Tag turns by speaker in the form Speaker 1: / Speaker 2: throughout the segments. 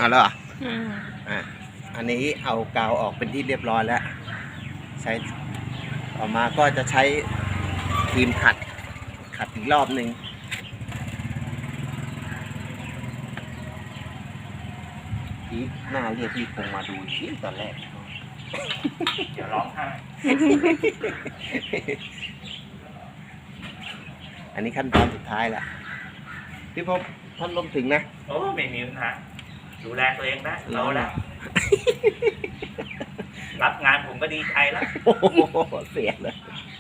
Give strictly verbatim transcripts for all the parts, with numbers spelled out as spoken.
Speaker 1: เอาแล้วเหรอ
Speaker 2: อืม
Speaker 1: อ่ะอันนี้เอากาวออกเป็นที่เรียบร้อยแล้วใช้ต่อมาก็จะใช้ครีมขัดขัดอีกรอบหนึ่งพี่หน้าเรียกพี่คงมาดูชิ้ตอนแรก
Speaker 3: เดี๋ยวร้องไห้
Speaker 1: อันนี้ขั้นตอนสุดท้ายแล้วพี่พบพัดลมถึงนะ
Speaker 3: โอ้ไม่มีปัญหาดูแลตัวเองได้เราแล้วรับงานผมก็ดีใจแล้ว
Speaker 1: โอ้โหเสียเลย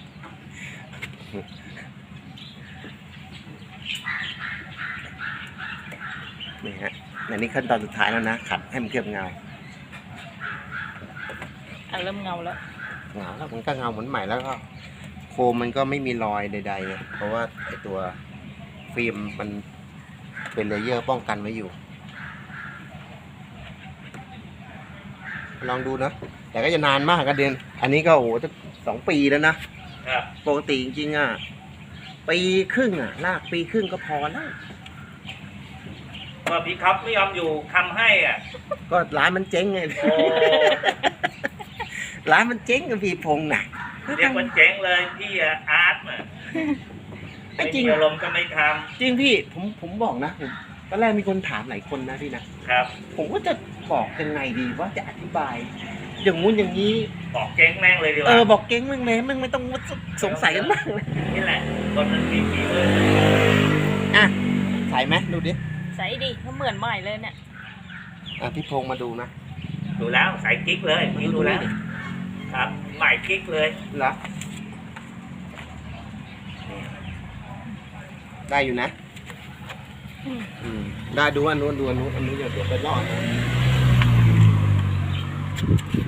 Speaker 1: นี่ฮะอันนี้ขั้นตอนสุดท้ายแล้วนะขัดให้มันเคลือบเงา
Speaker 2: อ่ะเริ่มเงาแล้ว
Speaker 1: เงาแล้วมันก็เงาเหมือนใหม่แล้วก็โคมมันก็ไม่มีรอยใดๆเลยเพราะว่าไอตัวฟิล์มมันเป็นเลเยอร์ป้องกันไว้อยู่ ลองดูนะแต่ก็จะนานมากกันเดือนอันนี้ก็โอ้โหจะสองปีแล้วนะครับ ปกติจริงๆอ่ะปีครึ่งอ่ะลากปีครึ่งก็พอแล้ว
Speaker 3: ว่าพี่ครับไม่ยอมอยู่ทำให้อ่ะ
Speaker 1: ก็ร้านมันเจ๊งไง
Speaker 3: โอ้
Speaker 1: ร้านมันเจ๊งกับพี่พงษ์น่ะ
Speaker 3: เรียกว่าเจ๊งเลยพี่อาร์ตอ่ะ
Speaker 1: ไอ้
Speaker 3: ไม่
Speaker 1: จริง
Speaker 3: มีอารมณ์ก็ไม่ท
Speaker 1: จริงพี่ผมผมบอกนะผมตอนแรกมีคนถามหลายคนนะพี่นะ
Speaker 3: ำครับ
Speaker 1: ผมก็จะบอกยังไงดีว่าจะอธิบาย อย่างงู้นอย่างนี้
Speaker 3: บอกเจ๊งแม่งเลยดีก
Speaker 1: เอ
Speaker 3: ว่า
Speaker 1: อบอกเก่งมึงเลยมึงไม่ต้องสงสัยกันมากเลย
Speaker 3: นี่แหละคนมันมีฝีมือ
Speaker 1: อ่ะใส่ไหมดูดิ
Speaker 2: ใส่ดิก็เหมือนใหม่เลยเนี่ย
Speaker 1: อ่ะพี่พงษ์มาดูนะ
Speaker 3: ดูแล้วใส่กิ๊กเลยนี่ดูแล้ว
Speaker 1: ดิ
Speaker 3: ครับใหม่กิ๊กเลย
Speaker 1: เหรอได้อยู่นะ
Speaker 2: อืม
Speaker 1: อืมได้ดูอันนู้นดูอันนู้นอันนู้นเดี๋ยวเดี๋ยวไปรอดนะ